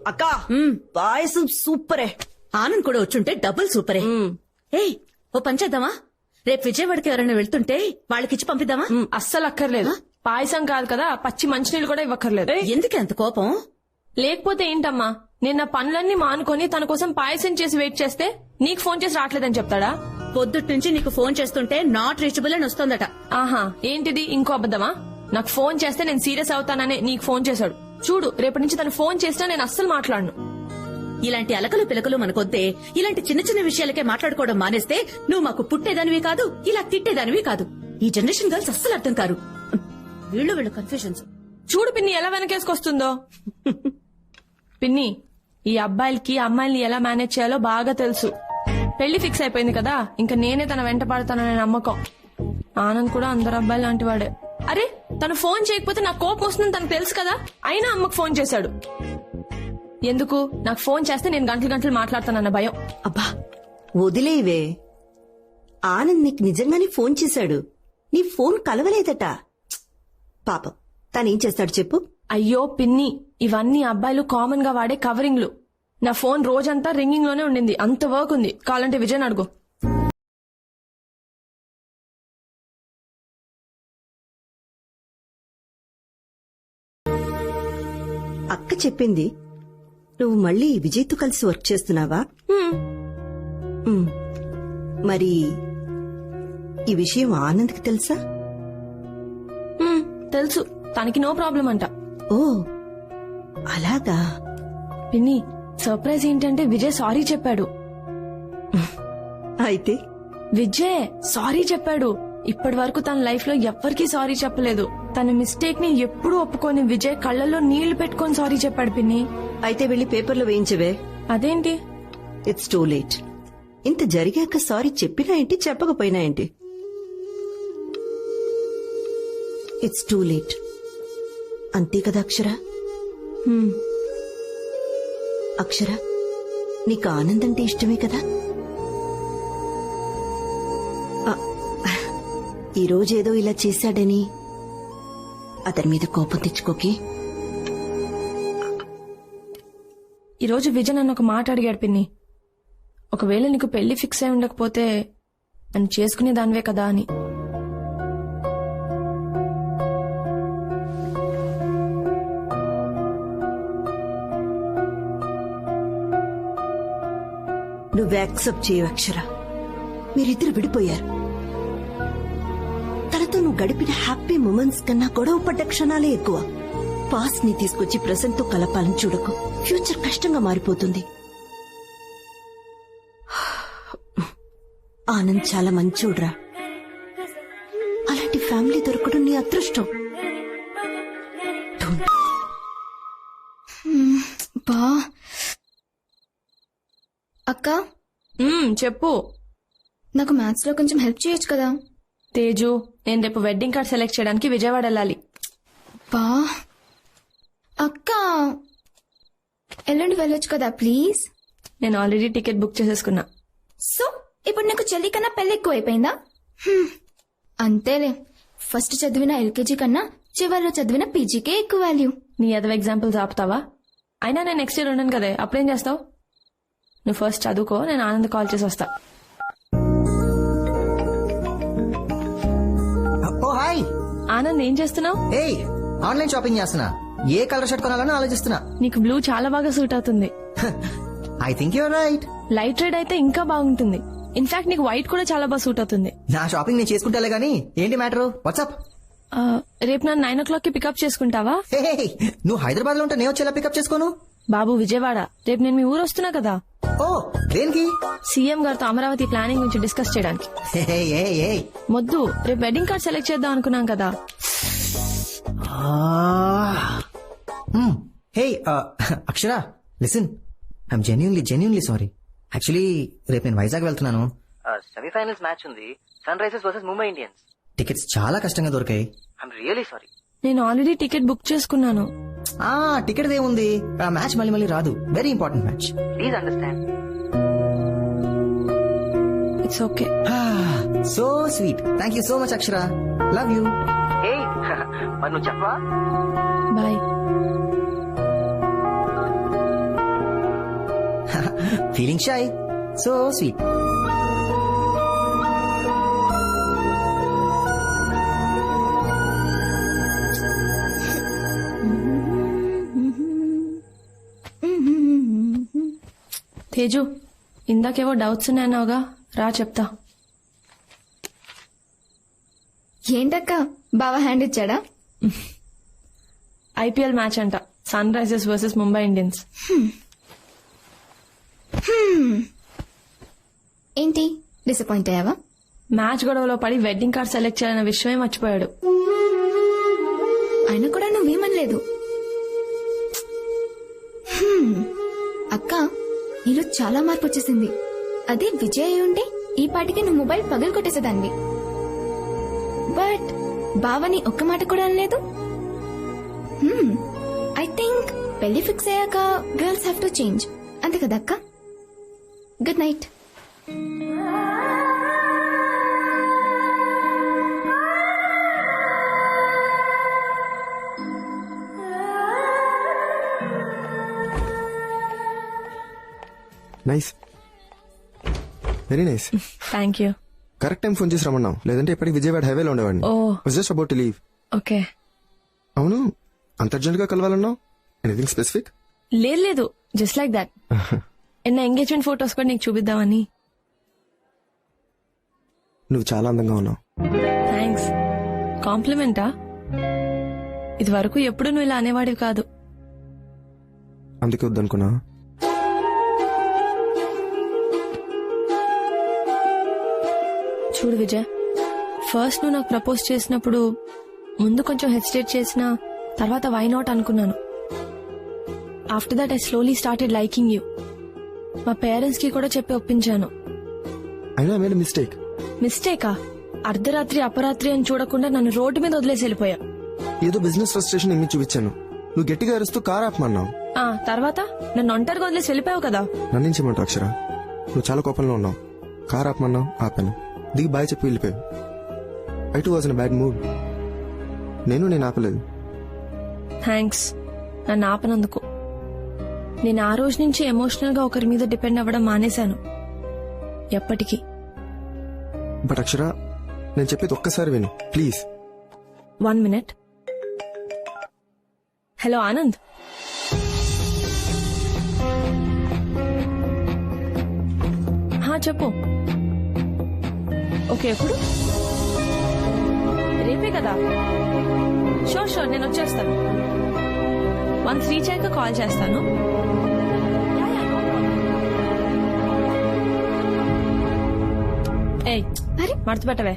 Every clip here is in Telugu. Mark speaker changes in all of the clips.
Speaker 1: అక్క పాయసం సూపరే.
Speaker 2: ఆనంద్ కూడా వచ్చుంటే డబుల్ సూపరే. ఏయ్ ఓ పని చేద్దామా, రేపు విజయవాడకి ఎవరైనా వెళ్తుంటే వాళ్ళకిచ్చి పంపిద్దామా?
Speaker 3: అస్సలు అక్కర్లేదు. పాయసం కాదు కదా, పచ్చి మంచినీళ్ళు కూడా ఇవ్వక్కర్లేదు.
Speaker 2: ఎందుకే అంత కోపం?
Speaker 3: లేకపోతే ఏంటమ్మా, నేను నా పనులన్నీ మానుకొని తన కోసం పాయసం చేసి వెయిట్ చేస్తే నీకు ఫోన్ చేసి రావట్లేదని చెప్తాడా?
Speaker 2: పొద్దుట్ నుంచి నీకు ఫోన్ చేస్తుంటే నాట్ రీచబుల్ అని వస్తోందట.
Speaker 3: ఆహా, ఏంటిది ఇంకో అబద్దమా? నాకు ఫోన్ చేస్తే నేను సీరియస్ అవుతాననే నీకు ఫోన్ చేశాడు. చూడు, రేపటి నుంచి తను ఫోన్ చేసినా నేను అస్సలు మాట్లాడను.
Speaker 2: ఇలాంటి అలకలు పిలకలు మనకొద్దే. ఇలాంటి చిన్న చిన్న విషయాలకే మాట్లాడుకోవడం మానేస్తే నువ్వు మాకు పుట్టేదానివి కాదు, ఇలా తిట్టేదానివి కాదు. ఈ జనరేషన్ గర్ల్స్ అస్సలు అర్థం కారు. వీళ్ళు కన్ఫ్యూజన్స్.
Speaker 3: చూడు పిన్ని ఎలా వెనకేసుకొస్తుందో. పిన్ని, ఈ అబ్బాయిలకి అమ్మాయిల్ని ఎలా మేనేజ్ చేయాలో బాగా తెలుసు. పెళ్లి ఫిక్స్ అయిపోయింది కదా, ఇంకా నేనే తన వెంట పడతాననే నమ్మకం. ఆనంద్ కూడా అందరు అబ్బాయిలు లాంటి వాడే. అరే, తను ఫోన్ చేయకపోతే నాకు కోపం వస్తుందని తనకు తెలుసు కదా, అయినా అమ్మకు ఫోన్ చేశాడు. ఎందుకు? నాకు ఫోన్ చేస్తే నేను గంటలు గంటలు మాట్లాడతానన్న భయం.
Speaker 1: అబ్బా వదిలేవే. ఆనంద్ నీకు నిజంగానే ఫోన్ చేశాడు. నీ ఫోన్ కలవలేదట. పాపం తనేం చేస్తాడు చెప్పు.
Speaker 3: అయ్యో పిన్ని, ఇవన్నీ అబ్బాయిలు కామన్ గా వాడే కవరింగ్లు. నా ఫోన్ రోజంతా రింగింగ్ లోనే ఉండింది. అంత వర్క్ ఉంది, కావాలంటే విజయ్ అడుగు.
Speaker 1: అక్క చెప్పింది నువ్వు మళ్ళీ విజయ్తో కలిసి వర్క్ చేస్తున్నావా? మరి ఈ విషయం ఆనంద్కి తెలుసా?
Speaker 3: తెలుసు, తనకి నో ప్రాబ్లం అంట.
Speaker 1: ఓ అలాగా.
Speaker 3: పిన్ని, సర్ప్రైజ్ ఏంటంటే విజయ్ సారీ చెప్పాడు.
Speaker 1: అయితే
Speaker 3: విజయ్ సారీ చెప్పాడు. ఇప్పటి వరకు తన లైఫ్ లో ఎవ్వరికీ సారీ చెప్పలేదు. తన మిస్టేక్ ని ఎప్పుడూ ఒప్పుకొని విజయ్ కళ్ళల్లో నీళ్లు పెట్టుకొని సారీ చెప్పాడు పిన్ని.
Speaker 1: అయితే వెళ్లి పేపర్లో వేయించవే.
Speaker 3: అదేంటి?
Speaker 1: It's too late. ఇంత జరిగాక సారీ చెప్పినా ఏంటి, చెప్పకపోయినా ఏంటి? It's too late. అంతే కదా అక్షర? అక్షర, నీకు ఆనంద్ అంటే ఇష్టమే కదా? ఈ రోజేదో ఇలా చేశాడని అతని మీద కోపం తెచ్చుకోకి.
Speaker 3: ఈ రోజు విజయ్ నన్ను ఒక మాట అడిగాడు పిన్ని. ఒకవేళ నీకు పెళ్లి ఫిక్స్ అయి ఉండకపోతే నన్ను చేసుకునే దానివే కదా అని.
Speaker 1: నువ్వు యాక్సెప్ట్ చేయవు అక్షర. మీరిద్దరు విడిపోయారు. తనతో నువ్వు గడిపిన హ్యాపీ మూమెంట్స్ కన్నా గొడవ పడ్డ క్షణాలే ఎక్కువ. పాస్ట్ ని తీసుకొచ్చి ప్రెసెంట్ తో కలపాలని చూడకు. ఫ్యూచర్ కష్టంగా మారిపోతుంది. ఆనంద్ చాలా మంచోడ్రా. అలాంటి ఫ్యామిలీ దొరకడం నీ అదృష్టం.
Speaker 4: బా అక్క,
Speaker 3: చెప్పు.
Speaker 4: నాకు మ్యాథ్స్ లో కొంచెం హెల్ప్ చేయొచ్చు కదా?
Speaker 3: తేజు, నేను రేపు వెడ్డింగ్ కార్డ్ సెలెక్ట్ చేయడానికి విజయవాడ వెళ్ళాలి.
Speaker 4: బా అక్క, ఎల్లుండి వెళ్ళొచ్చు కదా ప్లీజ్?
Speaker 3: నేను ఆల్రెడీ టికెట్ బుక్ చేసేసుకున్నా.
Speaker 4: సో ఇప్పుడు నీకు చెల్లి కన్నా పెళ్లి ఎక్కువ అయిపోయిందా? అంతేలే, ఫస్ట్ చదివిన ఎల్కేజీ కన్నా చివరిలో చదివిన పీజీకే ఎక్కువ వాల్యూ.
Speaker 3: నీ అదవ ఎగ్జాంపుల్స్ ఆపుతావా? అయినా నేను నెక్స్ట్ ఇయర్ ఉన్నాను కదే, అప్పుడేం చేస్తావు? నువ్వు ఫస్ట్ చదువుకో, నేను ఆనంద్ కాల్ చేసి వస్తా.
Speaker 5: ఓ హాయ్
Speaker 3: ఆనంద్, ఏం చేస్తున్నావు?
Speaker 5: ఏయ్, ఆన్లైన్ షాపింగ్ చేస్తున్నా. ఏ కలర్ షర్ట్ కొనాలని ఆలోచిస్తున్నా.
Speaker 3: నీకు బ్లూ చాలా బాగా సూట్ అవుతుంది.
Speaker 5: I think you're right.
Speaker 3: Light red అయితే ఇంకా బాగుంటుంది. ఇన్ఫాక్ట్ నీకు వైట్ కూడా చాలా బాగా సూట్ అవుతుంది.
Speaker 5: నా షాపింగ్ నేను చేసుకుంటాలే గానీ ఏంటి మ్యాటర్? వాట్సాప్?
Speaker 3: రేపు నన్ను 9 o'clock కి పికప్ చేసుకుంటావా?
Speaker 5: నువ్వు హైదరాబాద్ లో ఉంటే నేను వచ్చేలా పికప్ చేసుకోను.
Speaker 3: బాబు విజయవాడ, రేపు నేను మీ ఊరు వస్తున్నా కదా.
Speaker 5: ఓ దేనికి?
Speaker 3: సీఎం గారితో అమరావతి ప్లానింగ్ గురించి డిస్కస్ చేయడానికి. మొద్దు, రేపు వెడ్డింగ్ కార్డ్ సెలెక్ట్ చేద్దాం అనుకున్నాం కదా.
Speaker 5: Hey Akshara, listen, I'm genuinely sorry. Actually రేపు నేను వైజాగ్ వెళ్తున్నాను. సెమీఫైనల్స్ మ్యాచ్ ఉంది, Sunrisers versus Mumbai Indians. Tickets చాలా కష్టంగా దొరికాయి. I'm really sorry.
Speaker 3: నేను ఆల్రెడీ టికెట్ బుక్ చేసుకున్నాను.
Speaker 5: టికెట్ ఏముంది, ఆ మ్యాచ్ మళ్ళీ రాదు. Very important match. Please understand.
Speaker 3: It's okay.
Speaker 5: So sweet. Thank you so much Akshara. Love you. మరి నువ్వు చెప్పవా?
Speaker 3: Bye.
Speaker 5: Feeling shy, so sweet.
Speaker 3: Teju, ఇందాకేవో డౌట్స్ ఉన్నాయన్నావుగా, రా చెప్తా.
Speaker 4: ఏంటక్క బావ హ్యాండ్ ఇచ్చాడా?
Speaker 3: ఐపీఎల్ మ్యాచ్ అంట, Sunrisers versus Mumbai Indians.
Speaker 4: ఏంటి డిసప్పాయింట్ అయ్యావా?
Speaker 3: మ్యాచ్ గొడవలో పడి వెడ్డింగ్ కార్డ్ సెలెక్ట్ చేయాలన్న విషయమే మర్చిపోయాడు.
Speaker 4: అయినా కూడా నువ్వేమనలేదు. అక్క, నీలో చాలా మార్పు వచ్చేసింది. అదే విజయ్ అయి ఉంటే ఈ పాటికి నువ్వు మొబైల్ పగలు కొట్టేసేదాన్ని. బట్ బావని ఒక్క మాట కూడా అనలేదు. ఐ థింక్ పెళ్లి ఫిక్స్ అయ్యాక గర్ల్స్ హ్యావ్ టు చేంజ్, అంతే కదా అక్క? Good night.
Speaker 6: Nice, very nice.
Speaker 3: Thank you.
Speaker 6: Correct time phone చేసి రమ్మన్నావు, లేదంటే ఇప్పటికి విజయవాడ హైవేలో ఉండేవాడిని. Just about to leave.
Speaker 3: Okay.
Speaker 6: అవును, అంత అర్జెంట్ గా కలవాలన్నావు? Anything specific?
Speaker 3: లేదు, జస్ట్ లైక్ దాట్. ఎన్న ఎంగేజ్మెంట్ ఫొటోస్ కూడా నీకు చూపిద్దామని.
Speaker 6: నువ్వు చాలా అందంగా ఉన్నావు.
Speaker 3: థ్యాంక్స్. కాంప్లిమెంటా? ఇది వరకు ఎప్పుడు నువ్వు ఇలా అనేవాడివి కాదు.
Speaker 6: అందుకే వద్దనుకున్నా.
Speaker 3: చూడు విజయ్, ఫస్ట్ నువ్వు నాకు ప్రపోజ్ చేసినప్పుడు ముందు కొంచెం హెసిటేట్ చేసినా తర్వాత వై నాట్ అనుకున్నాను. After that I slowly started liking you. మా పేరెంట్స్ కి కూడా చెప్పి ఒప్పించాను.
Speaker 6: అయినా మేడ్ మిస్టేక్.
Speaker 3: మిస్టేకా? అర్ధరాత్రి అపరాత్రి అని చూడకుండా నన్ను రోడ్డు మీద వదిలేసి వెళ్ళిపోయా.
Speaker 6: ఏదో బిజినెస్ ఫ్రస్ట్రేషన్ ఇమ్మి చూపించాను. నువ్వు గట్టిగా అరుస్తూ కార్ ఆపమన్నావు.
Speaker 3: తర్వాత నన్ను ఒంటరిగా వదిలేసి వెళ్ళిపోయావు కదా.
Speaker 6: నన్నించమంటావు అక్షర? నువ్వు చాలా కోపంలో ఉన్నావు. కార్ ఆపమన్నావు, ఆపాను. దిగి బాయ్ చెప్పి వెళ్ళిపోయావు. I too was in bad mood. నేను ఆపలేదు.
Speaker 3: థ్యాంక్స్ నన్ను ఆపనందుకు. నేను ఆ రోజు నుంచి ఎమోషనల్ గా ఒకరి మీద డిపెండ్ అవ్వడం మానేశాను. ఎప్పటికీ.
Speaker 6: బట్ అక్షర, నేను చెప్పేది ఒక్కసారి విను ప్లీజ్.
Speaker 3: 1 minute. హలో ఆనంద్. చెప్పు. ఓకే, ఎప్పుడు? రేపే కదా? షూర్ నేను వచ్చేస్తాను. వన్స్ రీచ్ అయ్యాక కాల్ చేస్తాను. ఏయ్, మడత పెట్టవే.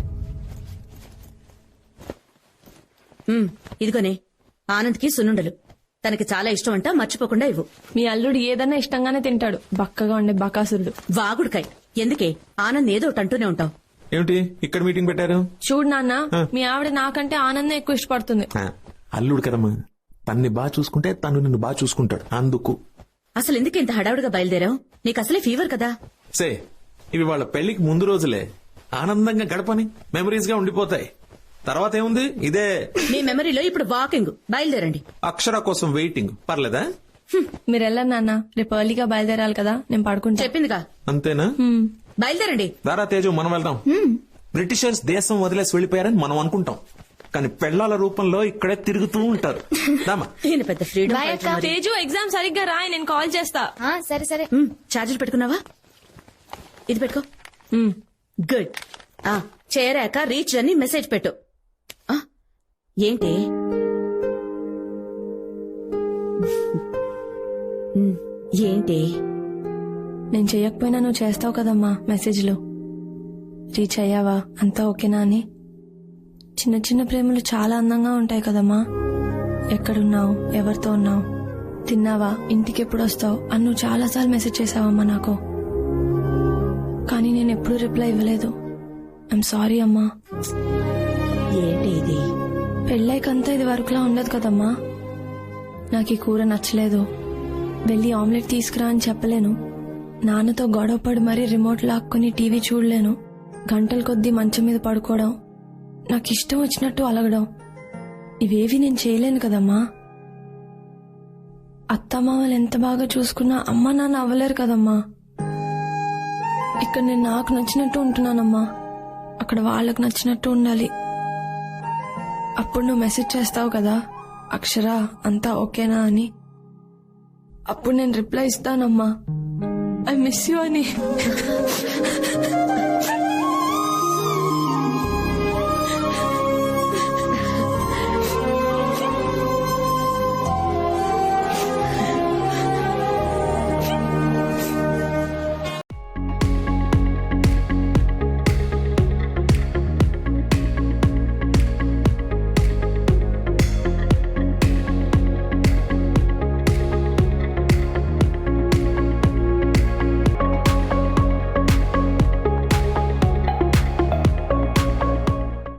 Speaker 2: ఇదిగోనే ఆనంద్కి సున్నుండలు. తనకి చాలా ఇష్టం అంట, మర్చిపోకుండా ఇవ్వు.
Speaker 3: మీ అల్లుడు ఏదన్నా ఇష్టంగానే తింటాడు, బక్కగా ఉండే బకాసురుడు.
Speaker 2: వాగుడుకాయ్. ఎందుకే ఆనంద్ ఏదో ఒకటి అంటూనే ఉంటావు.
Speaker 7: ఏమిటి ఇక్కడ మీటింగ్ పెట్టారు?
Speaker 3: చూడు నాన్న, మీ ఆవిడ నాకంటే ఆనందం ఎక్కువ ఇష్టపడుతుంది.
Speaker 7: అల్లుడు కదమ్మా, తన్ని బాగా చూసుకుంటే తను నిన్ను బాగా చూసుకుంటాడు. అందుకు
Speaker 2: అసలు ఎందుకు ఇంత హడావుడిగా బయలుదేరావు? నీకు అసలే ఫీవర్ కదా.
Speaker 7: సే, ఇవి వాళ్ళ పెళ్లికి ముందు రోజులే. ఆనందంగా గడపని మెమరీస్ గా ఉండిపోతాయి. తర్వాత ఏముంది, ఇదే
Speaker 2: మీ మెమరీలో ఇప్పుడు వాకింగ్. బయలుదేరండి.
Speaker 7: అక్షర కోసం వెయిటింగ్. పర్లేదా?
Speaker 3: మీరు వెళ్ళండి నాన్న, రేపు ఎర్లీగా బయలుదేరాలి కదా, నేను పడుకుంటా.
Speaker 2: చెప్పిందిగా.
Speaker 7: అంతేనా?
Speaker 2: బయలుదేరండి.
Speaker 7: దారా తేజు, మనం వెళ్దాం. బ్రిటిషర్స్ దేశం వదిలేసి వెళ్లిపోయారని మనం అనుకుంటాం, కానీ పెళ్లాల రూపంలో ఇక్కడే తిరుగుతూ ఉంటారు.
Speaker 2: ఈయన పెద్ద ఫ్రీడమ్.
Speaker 3: తేజు, ఎగ్జామ్ సరిగ్గా రాయి, నేను కాల్ చేస్తా.
Speaker 4: సరే.
Speaker 2: చార్జర్ పెట్టుకున్నావా? ఇది పెట్టుకో. గుడ్. చేరాక రీచ్ అని మెసేజ్ పెట్టు. ఏంటి ఏంటి
Speaker 3: నేను చెయ్యకపోయినా నువ్వు చేస్తావు కదమ్మా మెసేజ్లు. రీచ్ అయ్యావా, అంతా ఓకేనా అని. చిన్న చిన్న ప్రేమలు చాలా అందంగా ఉంటాయి కదమ్మా. ఎక్కడున్నావు, ఎవరితో ఉన్నావు, తిన్నావా, ఇంటికి ఎప్పుడు వస్తావు అని నువ్వు చాలాసార్లు మెసేజ్ చేసావమ్మా నాకు. కానీ నేను ఎప్పుడూ రిప్లై ఇవ్వలేదు. ఐఎమ్ సారీ అమ్మా.
Speaker 2: ఏంటి ఇది?
Speaker 3: పెళ్ళైకంతా ఇది వరకులా ఉండదు కదమ్మా. నాకు ఈ కూర నచ్చలేదు, వెళ్ళి ఆమ్లెట్ తీసుకురా అని చెప్పలేను. నాన్నతో గొడవపడి మరీ రిమోట్ లాక్కుని టీవీ చూడలేను. గంటల కొద్దీ మంచం మీద పడుకోవడం, నాకు ఇష్టం వచ్చినట్టు అలగడం, ఇవేవి నేను చేయలేను కదమ్మా. అత్తమామలు ఎంత బాగా చూసుకున్నా అమ్మా నాన్న అవ్వలేరు కదమ్మా. ఇక్కడ నేను నాకు నచ్చినట్టు ఉంటున్నానమ్మా, అక్కడ వాళ్ళకి నచ్చినట్టు ఉండాలి. అప్పుడు నువ్వు మెసేజ్ చేస్తావు కదా, అక్షర అంతా ఓకేనా అని. అప్పుడు నేను రిప్లై ఇస్తానమ్మా, ఐ మిస్ యూ అని.